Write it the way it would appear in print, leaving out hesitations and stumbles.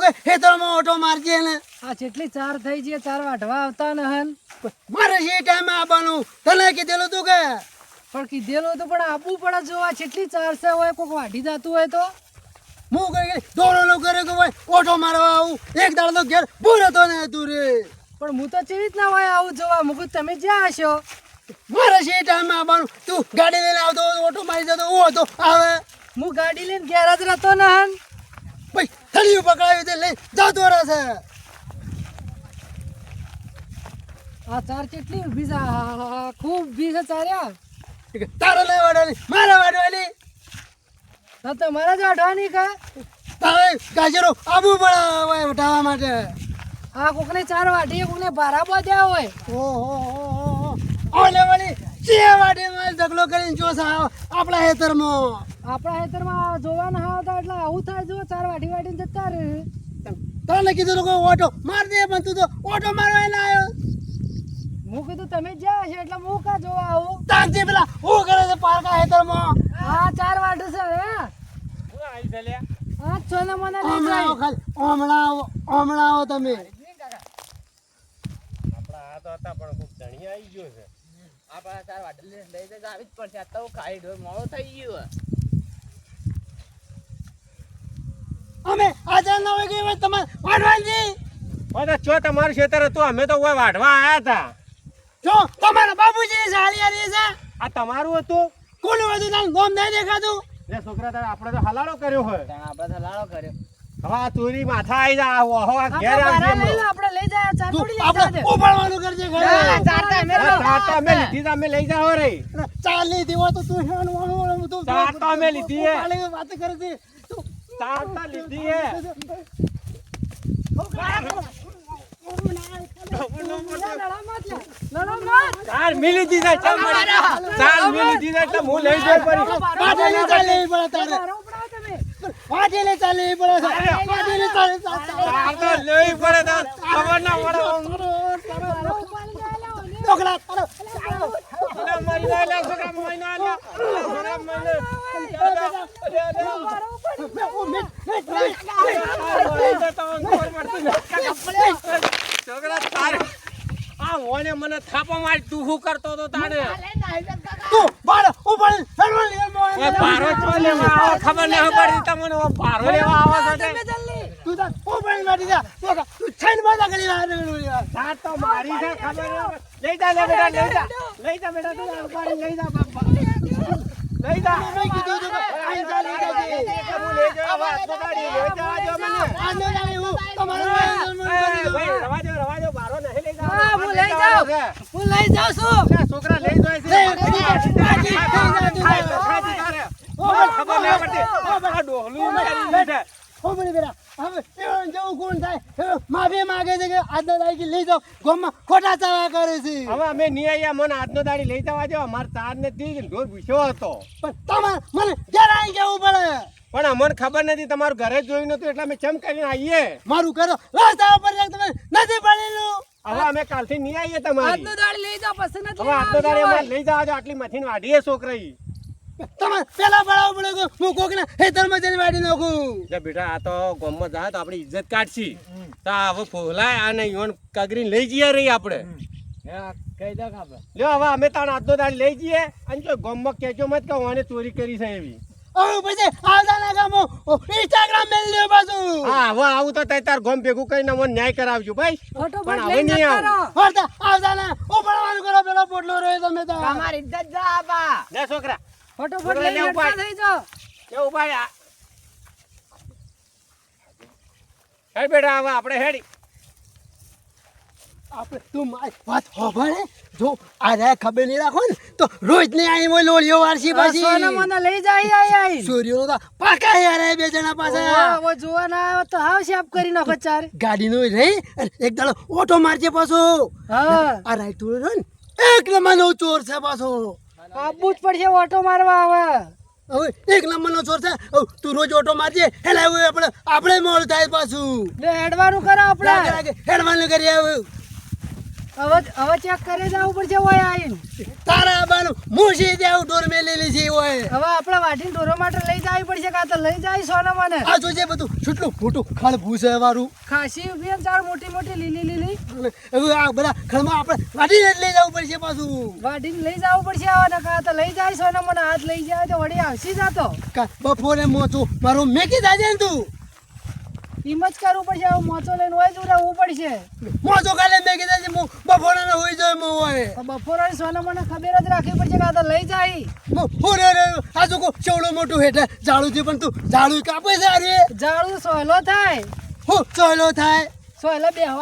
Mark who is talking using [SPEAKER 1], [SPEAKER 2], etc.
[SPEAKER 1] ખેતરમાં ઓટો મારજે ને
[SPEAKER 2] આ જેટલી ચાર થઈ છે, ચાર વાઢવા આવતા ને હન
[SPEAKER 1] મારે છે ટાઈમે આવવાનું તને કીધેલું તું કે
[SPEAKER 2] પણ કીધેલું હતું પણ આપવું પડે જો આ જેટલી ચાર છે હોય કોઈક વાઢી જતું હોય તો
[SPEAKER 1] હું કઈ દોડો કરે કે ભાઈ ઓટો મારવા આવું એક દાડો તો ઘેર ભૂર હતો ને તું રે
[SPEAKER 2] પણ હું તો ચેવી રીતના હોય આવું જોવા મુકું તમે જ્યાં હશો
[SPEAKER 1] મારે છે ટાઈમે આવવાનું તું ગાડી લઈને આવતો ઓટો મારી જતો હું હતો આવે
[SPEAKER 2] હું ગાડી લઈને ઘેર જ રહેતો ને હન
[SPEAKER 1] ભાઈ થળિયું પકડાયું તે લઈ જતો રહેશે
[SPEAKER 2] આ ચાર કેટલી ઊભી છે આહાહા, ખૂબ ઊભી છે ચાર્યા
[SPEAKER 1] તારે લઈ વાડવાની મારે વાડવાની
[SPEAKER 2] તો તમારે જ વાઢવાની કા
[SPEAKER 1] તારે ગાજરો આબુ પડે ઉઠાવવા માટે
[SPEAKER 2] આ કોકને ચાર વાઢીએ કોકને ભારા બાંધ્યા હોય
[SPEAKER 1] ઓહો ઓલે વાળી જે વાડે માં ઢગલો કરીને જોસા આપણા હેતરમાં
[SPEAKER 2] આપણા ખેતરમાં જોવાના આવતા એટલે આવું થાય જો ચાર વાઢી વાઢીને જતા રહે
[SPEAKER 1] તને કીધું લોકો ઓટો માર દે પણ તું તો ઓટો મારવા ના આવ્યો
[SPEAKER 2] હું કીધું તમે જ્યાં હશો એટલે હું કા જોવા આવું
[SPEAKER 1] તાંતી પેલા હું કરે છે પારકા હેતરમાં
[SPEAKER 2] હા ચાર વાઢે છે હે હા છોને મને લઈ
[SPEAKER 1] હમણાં આવો
[SPEAKER 2] જાય
[SPEAKER 1] ખાલી હમણાં આવો તમે
[SPEAKER 3] આપણા આ તો હતા પણ ખૂબ ધણી આવી ગયો છે
[SPEAKER 4] આપણા ચાર વાટલી લઈ જઈને આવી જ પડશે. આ તો ખાઈ ઢોર મોડો થઈ ગયો.
[SPEAKER 1] અમે આજા ના હોય કે તમારે વાડવાનજી
[SPEAKER 3] તો ચો તમારું ખેતર હતું અમે તો ઓય વાઢવા આયા હતા
[SPEAKER 1] જો તમારા બાબુજી સાલી આલી છે
[SPEAKER 3] આ તમારું હતું
[SPEAKER 1] કોનું હતું તારું ગોમ નહીં દેખાતું
[SPEAKER 3] લે છોકરા તારે આપણે તો હલાડો કર્યો હોય
[SPEAKER 4] ત્યાં આપણે તો લાડો કર્યો.
[SPEAKER 3] હવે આ તુરી માથા આવી જા ઓહો આ ઘેર
[SPEAKER 2] આપણે
[SPEAKER 3] આવજે
[SPEAKER 2] ભારા લઈ લો, આપણે લઈ જાય ચાર
[SPEAKER 1] તું
[SPEAKER 2] થોડી લઈ
[SPEAKER 1] આપણે
[SPEAKER 2] જાય
[SPEAKER 1] ઉપાડવાનું કરજે ઘરે
[SPEAKER 2] ચાર તો અમે લઈ
[SPEAKER 3] ચાર તો અમે લીધી તો અમે લઈ જાઓ રે
[SPEAKER 1] ચાલ નહીં દેવો તો તું હેવાનું તું
[SPEAKER 3] ચાર તો અમે લીધી હે.
[SPEAKER 1] ઉપાડીને વાત કરે છે તું
[SPEAKER 3] ચાર તો લીધી હે ચાર મિલી દીધા ચાર મળી ચાર મિલી દીધા એટલે હું લઈ જઈ પડી
[SPEAKER 1] વાટેલે ચાલે પડે તારે વાટેલે ચાલે પડે વાટેલે ચાલે
[SPEAKER 3] ચાર તો લઈ પડે તો ખબર ના પડે
[SPEAKER 1] છોકરા તારો
[SPEAKER 3] છોકરા મરી ના લે છોકરા મરી ના લે છોકરા મરી છોકરા તારે આ ઓને મને થાપો મારી તું શું કરતો તો તારે
[SPEAKER 1] તું બાળ ઉપાડ સર્વ
[SPEAKER 3] ઓય ભારો ચો લેવા આવો ખબર ન પડી તમને ઓ ભારો લેવા આવો છો તે
[SPEAKER 1] તું તો ઉપાડ મારી જા છોકરા તું છૈન બાજા કરી
[SPEAKER 3] તાર તો મારી છે ખબર લઈ જા લે બેટા લઈ જા બેટા તું ઉપાડી લઈ જા બાપા લઈ જા
[SPEAKER 1] મેં કીધું તો આઈ જા લઈ જાજે
[SPEAKER 3] હું લઈ જા વાત બતાડી લઈ જા જો મને
[SPEAKER 1] આ ન જાણે હું તમારો
[SPEAKER 3] ભાઈ રવા દો ભારો નહીં લઈ જા
[SPEAKER 2] હા, હું લઈ જાઉં છું
[SPEAKER 3] છોકરા લઈ જાય છે ખબર ના પડતી આ ડોહલું મારી બેઠા
[SPEAKER 1] હો બની બેરા હવે એવન જેવું કોણ થાય માફી માંગે છે કે આજના દાડી લઈ જાઓ ગામમાં ખોટા ચાવા કરે છે
[SPEAKER 3] હવે અમે નહીં આયા મને આજનો દાડી લઈ જવા દો અમાર તાર ને તી ઢોર ભૂસ્યો હતો
[SPEAKER 1] પણ તમારે મને જરાય કેવું પડે
[SPEAKER 3] પણ અમને ખબર નથી તમારું ઘરે જોયું નતું એટલે અમે ચમ કરીને આવીએ
[SPEAKER 1] મારું કરો રસ્તા ઉપર તમે નથી પડેલું
[SPEAKER 3] હવે અમે કાલથી નહીં આવીએ તમારી
[SPEAKER 2] આજનો દાડી લઈ જાઓ પછી નથી
[SPEAKER 3] હવે આજનો દાડી અમારે લઈ જવા દો આટલી મથીને વાઢીએ છોકરાઈ
[SPEAKER 1] તમારે પેલા પડાવ પડે કે હું કોકના ખેતરમાં જઈને વાડી નાખું
[SPEAKER 3] જે બેટા આ તો ગામમાં જાય તો આપણી ઇજ્જત કાઢશી તો હવે ફોલાય અને ઈવન કગરીને લઈ જઈએ રહી આપણે
[SPEAKER 4] કહી દો ખબર.
[SPEAKER 3] લ્યો હવે અમે તાણ આજનો દાડી લઈ જઈએ અને જો ગામમાં કહેજો મત કે ઓને ચોરી કરી છે એવી
[SPEAKER 1] હવે પછી આવતાના ગામો ઇન્સ્ટાગ્રામ મેલ લ્યો પાછું
[SPEAKER 3] હા હવે આવું તો તાર ગામ ભેગું કરીને મને ન્યાય કરાવજો ભાઈ પણ હવે નહીં આવું
[SPEAKER 1] હરતા આવતાના ઉપાડવાનું કરો પેલો પોટલો રહ્યો તમે તો
[SPEAKER 4] તમારી ઇજ્જત જા આપા.
[SPEAKER 3] લે છોકરા
[SPEAKER 2] ફટોફટ લઈને
[SPEAKER 3] ઉપાય.
[SPEAKER 2] જતા થઈ જાઓ
[SPEAKER 3] એવું ભાઈ હેડ બેટા હવે આપણે હેડી
[SPEAKER 1] આપણે તું મારી વાત હોભળે જો આ ખબર નહીં રાખો ને તો રોજ ને આઈ મોય લોળીઓ વારસી પાછી
[SPEAKER 2] સોના મને લઈ જાય આઈ
[SPEAKER 1] સૂર્યો તો પાકા યાર બે જણા પાસે
[SPEAKER 2] હવે જોવા ના આવ્યો તો હાવ શેપ કરી નાખો ચાર
[SPEAKER 1] ગાડીનો રહી અને એક દાડો ઓટો મારજે પાછો
[SPEAKER 2] હા
[SPEAKER 1] આ રાઈટ તું રહ્યો ને એક નંબરનો ચોર છે પાછો
[SPEAKER 2] આપવું જ પડશે ઓટો મારવા આવે
[SPEAKER 1] હવે એક નંબરનો ચોર છે હવે તું રોજ ઓટો મારજે હેલા આપણે મોડ થાય પાછું
[SPEAKER 2] લે હેડવાનું કરો આપણે
[SPEAKER 1] હેડવાનું કરી આવ
[SPEAKER 2] હવે ચેક કરે જવું પડશે ઓય આવીને.
[SPEAKER 1] તારા બાનું મુશી દેવ ઢોર મેલેલી છે ઓય.
[SPEAKER 2] હવે આપણે વાટીને ઢોરો માટે લઈ જવી પડશે કાં તો લઈ જાય સોના મને.
[SPEAKER 1] આ જોજે બધું કેટલું મોટું ખળ ભૂસે વાળું.
[SPEAKER 2] ખાસી ઉભી ને ચાર મોટી મોટી લીલી લીલી
[SPEAKER 1] હવે આ બધા ખળમાં આપણે વાટીને જ લઈ જવું પડશે પાછું.
[SPEAKER 2] વાટીને લઈ જવું પડશે હવે ને કાં તો લઈ જાય સોના મને હાથ લઈ જાય તો વળી આવશી જાતો.
[SPEAKER 1] બપોરે મોચું મારું મેકી જાજે ને તું.
[SPEAKER 2] એમ જ કરવું પડશે હવે મોચો લઈને હોય જ રહેવું પડશે.
[SPEAKER 1] મોચો કાલે મેકી જાજે હું બપોરે ને હોઈ જાય મો હોય.
[SPEAKER 2] બપોરે સોના મને ખબર જ રાખવી પડશે કાં તો લઈ જાય.
[SPEAKER 1] આ જો કો ચવડો મોટું હેઠે ઝાડું છે પણ તું ઝાડું કાપે છે અરે
[SPEAKER 2] જાળું સોયલો થાય
[SPEAKER 1] હું ચોયલો થાય.
[SPEAKER 2] સોયલો બે